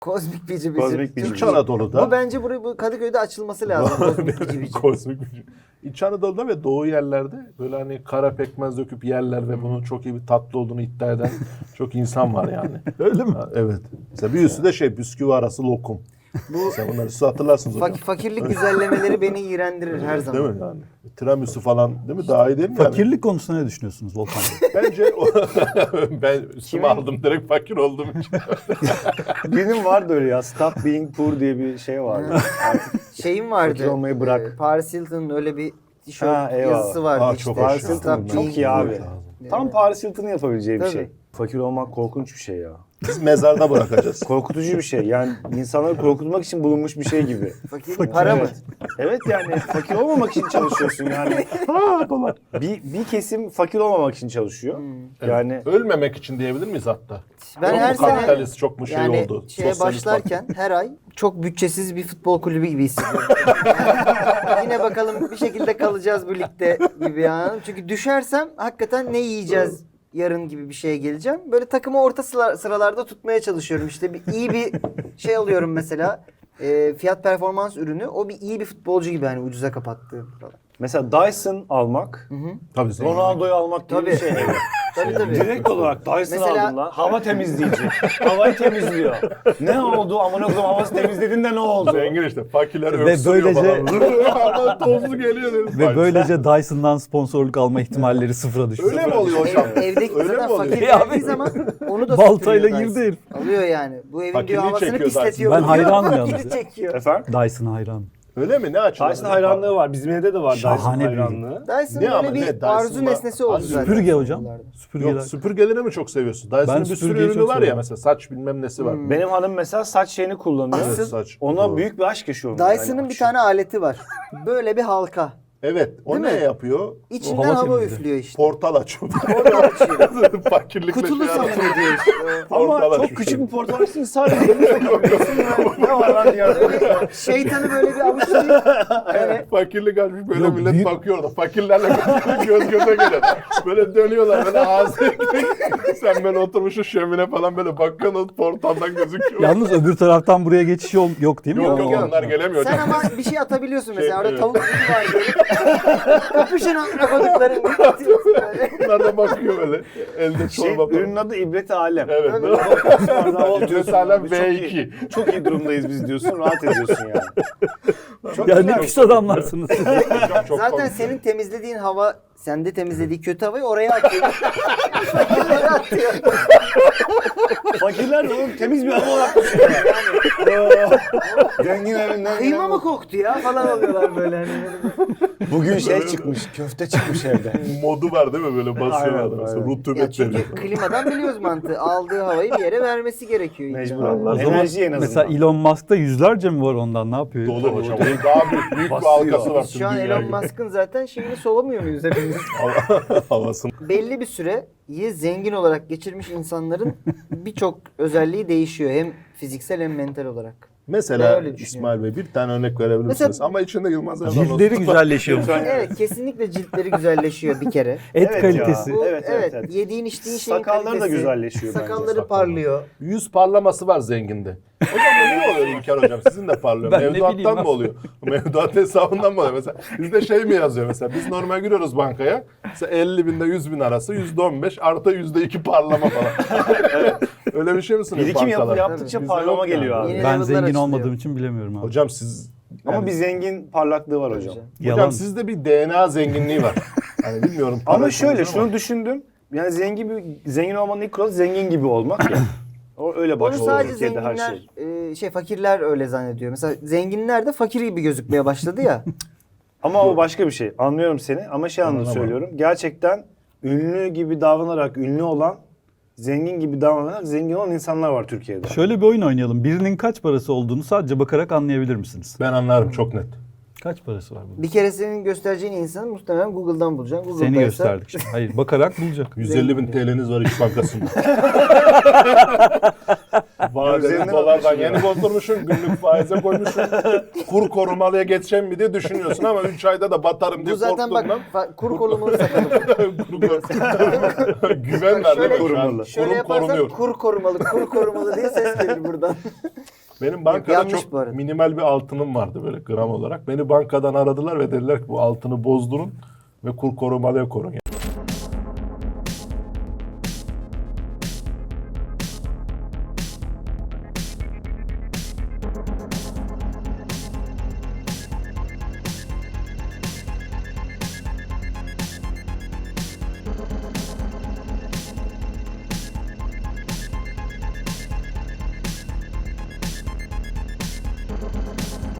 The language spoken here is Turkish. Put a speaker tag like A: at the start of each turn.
A: Kozmik bici bici.
B: Kozmik bici
C: İç
B: bici.
C: Anadolu'da.
A: Bu bence bu Kadıköy'de açılması lazım. Kozmik bici bici.
C: Kozmik bici. İç Anadolu'da ve doğu yerlerde böyle hani kara pekmez döküp yerler ve bunun çok iyi bir tatlı olduğunu iddia eden çok insan var yani.
D: Öyle mi?
C: Ha, evet. Mesela bir üstü de bisküvi arası lokum. Sen bunları siz hatırlarsınız hocam.
A: Fakirlik güzellemeleri beni iğrendirir her zaman.
C: Değil mi yani? Tiramisu falan değil mi? Daha iyi değil mi yani?
D: Fakirlik konusunda ne düşünüyorsunuz Volkan Bey?
C: Bence ben üstüme aldım direkt fakir olduğum için.
B: Benim vardı öyle ya. Stop being poor diye bir şey vardı.
A: Şeyim vardı.
B: Fakir olmayı bırak.
A: Paris Hilton'un öyle bir
B: Ha,
A: tişört
B: eyvallah.
A: yazısı vardı
C: Aa,
A: işte.
C: çok
B: Paris
C: hoş ya.
B: Hilton
A: Stop being
B: çok iyi abi.
C: lazım.
B: Tam Paris Hilton'ın yapabileceği bir
A: Tabii.
B: şey. Fakir olmak korkunç bir şey ya.
C: Biz mezarda bırakacağız.
B: Korkutucu bir şey. Yani insanları korkutmak için bulunmuş bir şey gibi.
A: Fakir para mı?
B: Evet yani fakir olmamak için çalışıyorsun yani.
D: Kolay.
B: Bir kesim fakir olmamak için çalışıyor. Yani
C: Ölmemek için diyebilir miyiz hatta?
A: Ben
C: Çok
A: her
C: mu
A: sene
C: kapitalist, çok mu şey
A: yani
C: oldu?
A: şeye
C: Sosyalist
A: başlarken her ay çok bütçesiz bir futbol kulübü gibi hissediyorum. Yani yine bakalım bir şekilde kalacağız bu ligde gibi yani. Çünkü düşersem hakikaten ne yiyeceğiz yarın gibi bir şeye geleceğim. Böyle takımı orta sıralarda tutmaya çalışıyorum. İşte iyi bir şey alıyorum mesela. Fiyat performans ürünü. O iyi bir futbolcu gibi hani ucuza kapattığı falan.
B: mesela Dyson almak,
C: Tabii zengin.
B: Ronaldo'yu almak gibi bir
A: Tabii.
B: şey.
A: Tabii.
B: Direkt olarak Dyson
A: Mesela-
B: aldım lan. Hava temizleyici. Havayı temizliyor. Ne oldu? Amına koyayım havası temizledin de ne oldu?
C: Zengin işte. Fakirler
D: Ve
C: öksürüyor
D: böylece-
C: falan. Ama tozlu geliyor. dedim.
D: Ve böylece Dyson'dan sponsorluk alma ihtimalleri sıfıra düştü.
C: Öyle mi oluyor hocam?
A: Evdeki
C: Öyle
A: zaten
C: mi oluyor?
A: fakir
D: Ya
A: geldiği
D: abi,
A: zaman onu da
D: baltayla
A: süpürüyor
D: girdi
A: Dyson.
D: herif.
A: Alıyor yani. Bu evin
C: Fakirliği
A: diyor havasını
C: çekiyor
A: pisletiyor.
D: Dyson. Ben
A: diyor.
D: hayranım
A: Fakiri
D: yalnız.
A: çekiyor.
B: Efendim?
D: Dyson'a hayran.
C: Öyle mi? Ne açıdan?
B: Dyson hayranlığı var. Bizim evde de var Dyson
D: Şahane bir
B: hayranlığı.
A: Dyson
C: Ne ama
A: böyle
C: ne?
A: bir
C: Dyson
A: arzu
C: var.
A: nesnesi oldu
C: Abi
A: zaten.
D: Süpürge hocam.
A: Yıllarda.
D: Süpürgeler.
C: Yok, süpürgeleri mi çok seviyorsun? Dyson'ın
D: Ben
C: bir sürü
D: süpürgeyi
C: ürünü
D: çok
C: var ya
D: seviyorum.
C: mesela saç bilmem nesi var.
B: Benim hanım mesela saç şeyini kullanıyor.
A: Asıl-
C: Evet, saç.
B: Ona
C: Doğru.
B: büyük bir aşk yaşıyorum.
A: Dyson'ın
B: yani.
A: bir tane aleti var. Böyle bir halka.
C: Evet. O
A: Değil
C: ne
A: mi?
C: yapıyor?
A: İçinden
D: hava
A: hava
D: temizliği.
A: üflüyor işte.
C: Portal açıyor.
A: Orada açıyor.
C: Fakirlikle
A: Kutulu
C: şey
A: sanıyor
C: arasında.
A: diyor işte.
B: Ama
C: Portal
B: çok
C: açmış.
B: küçük bir portal açtın sadece. Ne var lan diye.
A: Şeytanı böyle bir avuçlayıp yani
C: Fakirlik açmış böyle
D: Yok,
C: millet
D: büyük-
C: bakıyor orada. Fakirlerle göz göze geliyor. Böyle dönüyorlar böyle ağzı sen böyle oturmuşsun şömine falan böyle bakıyorsun o portaldan gözüküyor.
D: Yalnız öbür taraftan buraya geçiş yok değil mi?
C: Yok
D: O-
C: yok onlar gelemiyor.
A: sen ama bir şey atabiliyorsun mesela. Orada
C: evet.
A: tavuk gibi var böyle. Kapışın amına koduklarını.
C: Onlar da bakıyor böyle. Elde
B: Şey,
C: çorba
B: ürünün adı İbret Alem.
C: Evet. İbret Alem V2.
B: Çok iyi durumdayız biz diyorsun, rahat ediyorsun yani. Çok
D: Ya
B: güzel.
D: ne pis adamlarsınız.
C: Hocam çok
A: Zaten
C: komik.
A: senin temizlediğin hava, sende temizlediği kötü havayı oraya atıyor. Fakirlere atıyor.
B: Fakirler de oğlum temiz bir hava olarak düşünüyor yani. Zengin evinden.
A: Kıyma mı koktu ya falan oluyorlar böyle hani.
B: Bugün şey çıkmış, köfte çıkmış evde.
C: Modu var değil mi böyle basıyor
B: Aynen,
C: adam. Mesela
B: aynen.
A: Ya
C: rutubet
A: çünkü
C: veriyor.
A: klimadan biliyoruz mantığı. Aldığı havayı bir yere vermesi gerekiyor. illa.
B: Mecbur
D: O
B: Allah.
D: zaman
B: Enerji en azından.
D: mesela Elon Musk'ta yüzlerce mi var ondan, ne yapıyor?
C: Dolu hocam. Onun daha büyük bir
B: Basıyor.
C: halkası var.
A: Biz şu an Elon Musk'ın zaten şeyini solamıyor muyuz hepimiz?
C: Havasını.
A: Belli bir süreyi zengin olarak geçirmiş insanların birçok özelliği değişiyor. Hem fiziksel hem mental olarak. Ben
C: Mesela
A: öyle düşünüyorum.
C: İsmail Bey bir tane örnek verebilir
A: Mesela-
C: misiniz? Ama içinde Yılmaz Erdoğan
D: Ciltleri
C: olsun.
D: güzelleşiyor.
A: Evet, kesinlikle ciltleri güzelleşiyor bir kere.
D: Et
B: Evet
D: kalitesi.
B: ya.
A: Bu,
B: Evet, evet, evet.
A: Yediğin içtiğin şeyin
B: Sakalları da
A: kalitesi,
B: güzelleşiyor bence.
A: Sakalları parlıyor.
C: Yüz parlaması var zenginde. Hocam bu niye oluyor İlker hocam? Sizin de parlıyor.
D: Ben ne bileyim
C: Mevduattan
D: abi.
C: mı oluyor? Mevduat hesabından mı oluyor? Mesela bizde şey mi yazıyor mesela? Biz normal giriyoruz bankaya. Mesela 50 binde 100 bin arası %15 artı %2 parlama falan. Öyle bir şey mi sunuyor
B: Birikim
C: bankalar?
B: yaptıkça
C: Bizde
B: parlama
C: yok yani.
B: geliyor abi.
A: Yeni
D: Ben
A: level'lar
D: zengin
A: açılıyor.
D: olmadığım için bilemiyorum abi.
C: Hocam siz...
B: Ama
C: yani-
B: bir zengin parlaklığı var hocam.
D: Yalan.
C: Hocam sizde bir DNA zenginliği var. Yani bilmiyorum.
B: Ama
C: para
B: şöyle
C: konusunda
B: şunu düşündüm. Yani zengin olmanın ilk kuralı zengin gibi olmak ya. O öyle
A: Onu
B: başlıyor
A: sadece
B: Türkiye'de her
A: zenginler,
B: şey.
A: fakirler öyle zannediyor. Mesela zenginler de fakir gibi gözükmeye başladı ya.
B: Ama o başka bir şey. Anlıyorum seni ama şey anlamda
C: Anlamam.
B: söylüyorum. Gerçekten ünlü gibi davranarak ünlü olan, zengin gibi davranarak zengin olan insanlar var Türkiye'de.
D: Şöyle bir oyun oynayalım. Birinin kaç parası olduğunu sadece bakarak anlayabilir misiniz?
C: Ben anlarım çok net.
D: Kaç parası var bunun?
A: Bir kere senin göstereceğin insanı muhtemelen Google'dan bulacaksın.
D: Seni
A: Google'daysa-
D: gösterdik şimdi. Hayır, bakarak bulacak.
C: 150 bin TL'niz var İş Bankası'nda. Vadeli
B: Üzerinden
C: dolardan
B: almışsın
C: yeni
B: ya.
C: bozdurmuşsun, günlük faize koymuşsun. Kur korumalıya geçeceğim mi diye düşünüyorsun ama 3 ayda da batarım diye
A: Bu zaten bak
C: korktuğundan.
A: kur korumalı sakalı.
C: Güven ver
A: Şöyle-
C: değil mi şu an?
B: Korumalı.
A: Şöyle
C: Kurum
A: yaparsan
C: korunuyor.
A: kur korumalı diye ses gelir buradan.
C: Benim bankada
A: yanlış
C: çok
A: bu arada.
C: minimal bir altınım vardı böyle gram olarak. Beni bankadan aradılar ve dediler ki bu altını bozdurun ve kur korumalıya korun.